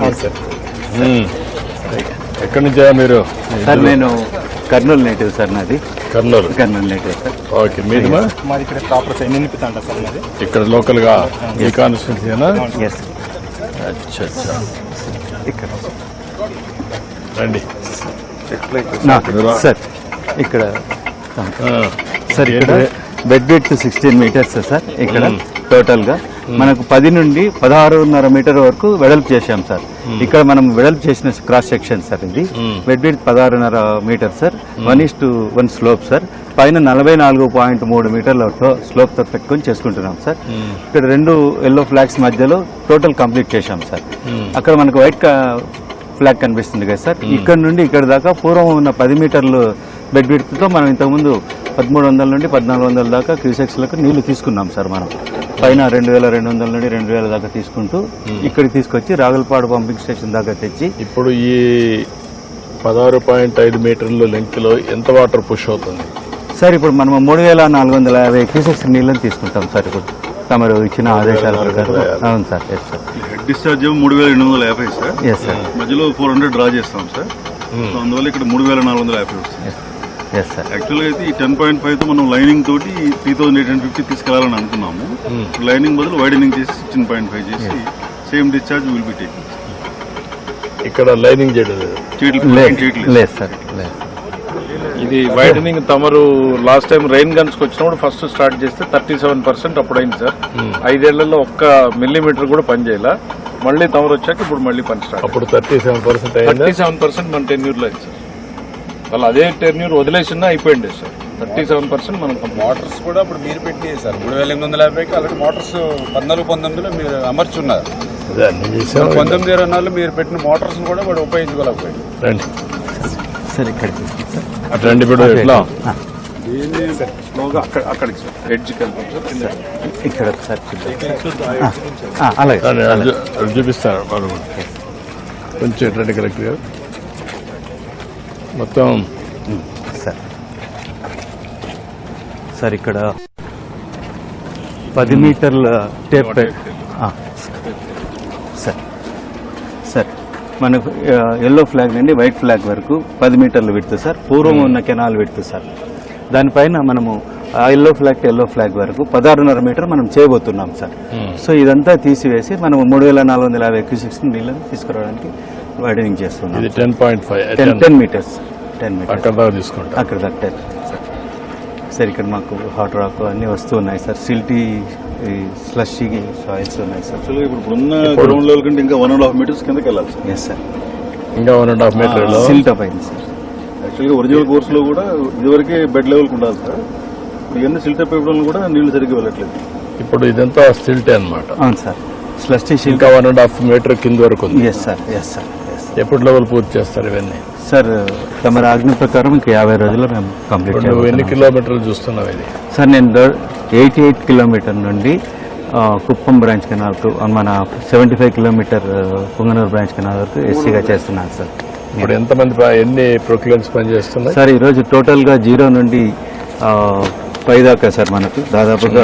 Sir. ఎక్కడి నుంచా మీరు? సార్ నేను కర్నూలు నేటివ్ సార్, నాది కర్నూలు నేటివ్ సార్. ఓకే, మీది మాది ఇక్కడ ప్రాపర్ సైడ్ నింపితాంట సార్ మాది. ఇక్కడ లోకల్గా ఈ కాన్స్టిట్యూన్సీనా? ఎస్ అచ్చా అచ్చా. ఇక్కడ రండి సార్. ఇక్కడ సార్ ఇక్కడ బెడ్ విడ్త్ 16 మీటర్స్ సార్. ఇక్కడ టోటల్ గా మనకు 10 నుండి 16.5 మీటర్ వరకు వెడల్పు చేశాం సార్. ఇక్కడ మనం వెడల్పు చేసిన క్రాస్ సెక్షన్ సార్. ఇది bed width 16.5 meter sir. 1:1 slope sir. పైన 44.3 మీటర్ల స్లోప్ తో పెట్టుకొని చేసుకుంటున్నాం సార్. ఇక్కడ 2 ఎల్లో ఫ్లాగ్స్ మధ్యలో టోటల్ కంప్లీట్ చేశాం సార్. అక్కడ మనకు వైట్ ఫ్లాగ్ కనిపిస్తుంది కదా సార్. ఇక్కడ నుండి ఇక్కడ దాకా పూర్వం ఉన్న 10 మీటర్లు బెడ్ విడ్త్తో మనం ఇంతకుముందు 1300 నుండి 1400 దాకా క్యూసెక్స్లకు నీళ్లు తీసుకున్నాం సార్. మనం పైన 2200 నుండి 2000 దాకా తీసుకుంటూ ఇక్కడికి తీసుకొచ్చి రాగులపాడు పంపింగ్ స్టేషన్ దాకా తెచ్చి ఇప్పుడు ఈ 16.5 మీటర్ల లెంగ్త్ లో ఎంత వాటర్ పుష్ అవుతుంది సార్? ఇప్పుడు మనం 3450 క్యూసెక్స్ నీళ్ళని తీసుకుంటాం సార్. ఇప్పుడు తమరు ఇచ్చిన ఆదేశాల ప్రకారం. అవును sir. Yes sir. Head discharge 3850 sir. Yes sir. మధ్యలో 400 డ్రా చేస్తాం సార్. అందువల్ల ఇక్కడ 3450 వస్తుంది. Yes sir. యాక్చువల్గా అయితే ఈ 10.5 తో మనం లైనింగ్ తోటి 3850 తీసుకెళ్లాలని అనుకున్నాము. లైనింగ్ బదులు వైడనింగ్ చేసి 16.5 చేసి same discharge will be taking. ఇక్కడ లైనింగ్ చేయలేదు సార్. ఇది వైడనింగ్ తమరు లాస్ట్ టైం రెయిన్ గన్స్ వచ్చినప్పుడు ఫస్ట్ స్టార్ట్ చేస్తే 37% అప్పుడు అయింది సార్. 5 ఏళ్లలో 1 మిల్లీమీటర్ కూడా పని చేయాల. మళ్ళీ తమరు వచ్చాక ఇప్పుడు మళ్ళీ పని స్టార్ట్. అప్పుడు 37% మన టెన్యూర్ లో అయింది సార్. వాళ్ళు అదే టెన్యూర్ వదిలేసినా అయిపోయింది సార్. 37% మనం మోటార్స్ కూడా ఇప్పుడు మీరు పెట్టి సార్ 3850కి అలాంటి మోటార్స్ 14-19లో మీరు అమర్చున్నారు. 1920 మీరు పెట్టిన మోటార్స్ కూడా వాడు ఉపయోగించుకోలేకపోయింది. రండి సార్. ఇక్కడ రండి. ఇప్పుడు ఎట్లా ఇక్కడ సార్ అలాగే చూపిస్తారు కొంచెం ఎట్లంటే కరెక్ట్ గా మొత్తం సార్. సార్ ఇక్కడ 10 మీటర్ల టేప్ సార్. సార్ మనకు ఎల్లో ఫ్లాగ్ నుండి వైట్ ఫ్లాగ్ వరకు 10 మీటర్లు విడుతు సార్. పూర్వం ఉన్న కెనాల్ విడుతు సార్. దానిపైన మనము ఆ ఎల్లో ఫ్లాగ్ వరకు 16.5 మీటర్ మనం చేయబోతున్నాం సార్. సో ఇదంతా తీసివేసి మనం 3450 క్యూసెక్స్ నీళ్ళని తీసుకురావడానికి వైడనింగ్ చేస్తున్నాం. 10 మీటర్స్ అక్కడ దాకా సార్. ఇక్కడ మాకు హాట్ రాక్ అన్ని వస్తూ ఉన్నాయి సార్. సిల్టీ స్లషీ సాయిల్స్ ఉన్నాయి సార్. యాక్చువల్గా ఇప్పుడు ఉన్న గ్రౌండ్ లెవెల్ కంటే ఇంకా 1.5 మీటర్స్ కిందకి వెళ్ళాలి సార్. Yes sir. ఇంకా 1.5 మీటర్ సిల్ట్ అప్ అయింది సార్. యాక్చువల్గా ఒరిజినల్ కోర్స్ లో కూడా ఇదివరకే బెడ్ లెవెల్కి ఉండాలి సార్. ఇవన్నీ సిల్ట్ అప్ ఇవ్వడం కూడా నీళ్లు సరిగ్గా వెళ్ళట్లేదు. ఇప్పుడు ఇదంతా సిల్టే అనమాట. అవును సార్. స్లషీ ఇంకా 1.5 మీటర్ కింద వరకు ఉంది. Yes sir. Yes sir. ఎప్పుడు లెవెల్ పూర్తి చేస్తారు ఇవన్నీ సార్? తమ ఆజ్ఞ ప్రకారం ఇంకా 50 రోజుల్లో మేము కంప్లీట్ చేస్తాం. నువ్వు ఎన్ని కిలోమీటర్లు చూస్తున్నావు ఇది? సార్ నేను 88 కిలోమీటర్ నుండి కుప్పం బ్రాంచ్ కెనాల్ మన 75 కిలోమీటర్ పుంగనూరు బ్రాంచ్ కెనాల్ వరకు ఎస్సీగా చేస్తున్నాను సార్. ఇప్పుడు ఎంతమంది ఎన్ని ప్రొక్లైన్స్ పనిచేస్తున్నాయి సార్? ఈరోజు టోటల్గా 0 నుండి 5 దాకా సార్ మనకు దాదాపుగా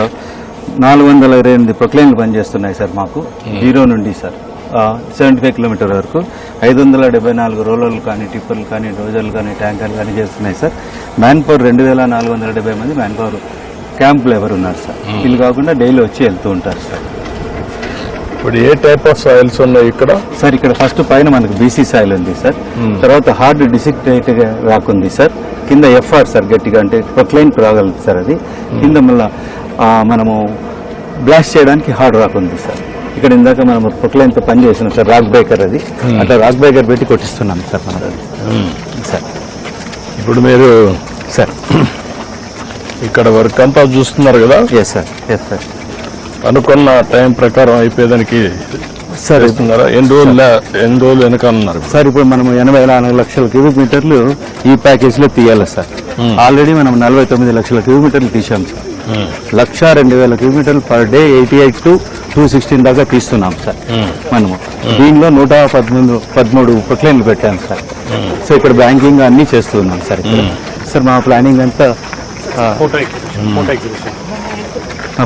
428 ప్రొక్లైన్లు పనిచేస్తున్నాయి సార్ మాకు. 0 నుండి సార్ 75 కిలోమీటర్ వరకు 574 రోలర్లు కానీ టిప్పర్లు కానీ డోజర్లు కానీ ట్యాంకర్లు కానీ చేస్తున్నాయి సార్. మ్యాన్ పవర్ 2470 మంది మ్యాన్ పవర్ క్యాంప్ లేబర్ ఉన్నారు సార్. వీళ్ళు కాకుండా డైలీ వచ్చి వెళ్తూ ఉంటారు సార్. ఇప్పుడు ఏ టైప్ ఆఫ్ సాయిల్స్ ఉన్నాయి ఇక్కడ సార్? ఇక్కడ ఫస్ట్ పైన మనకు బీసీ సాయిల్ ఉంది సార్. తర్వాత హార్డ్ డిసిక్టేట్ రాక్ ఉంది సార్. కింద ఎఫ్ఆర్ సార్, గట్టిగా అంటే ప్రొక్లైన్ రాగలదు సార్. అది కింద మళ్ళీ మనము బ్లాస్ట్ చేయడానికి హార్డ్ రాక్ ఉంది సార్. ఇక్కడ ఇందాక మనం ప్రొక్లైన్తో పని చేస్తున్నాం సార్. రాక్ బ్రేకర్ అది అట్లా రాక్ బ్రేకర్ పెట్టి కొట్టిస్తున్నాం సార్ మనం సార్. ఇప్పుడు మీరు సార్ ఇక్కడ వర్క్ అంతా చూస్తున్నారు కదా? Yes sir. Yes sir. అనుకున్న టైం ప్రకారం అయిపోయేదానికి సార్ ఇస్తున్నారా? ఎన్ని రోజులు వెనకాలన్నారు సార్? ఇప్పుడు మనం 84 లక్షల క్యూబిక్ మీటర్లు ఈ ప్యాకేజీలో తీయాలి సార్. ఆల్రెడీ మనం 49 లక్షల క్యూబిక్ మీటర్లు తీసాం సార్. 102,000 కిలోమీటర్లు పర్ డే 88 to 216 దాకా తీస్తున్నాం సార్ మనము. దీనిలో 113 ప్రొక్లైన్లు పెట్టాం సార్. సో ఇక్కడ బ్యాంకింగ్ అన్నీ చేస్తున్నాం సార్. సార్ మా ప్లానింగ్ అంతా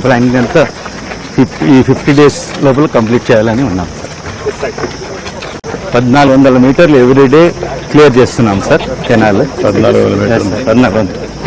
ఈ 50 days లోపల కంప్లీట్ చేయాలని ఉన్నాం సార్. 1400 మీటర్లు ఎవ్రీడే క్లియర్ చేస్తున్నాం సార్ కెనాల్. 1400 మీటర్లు. 1400.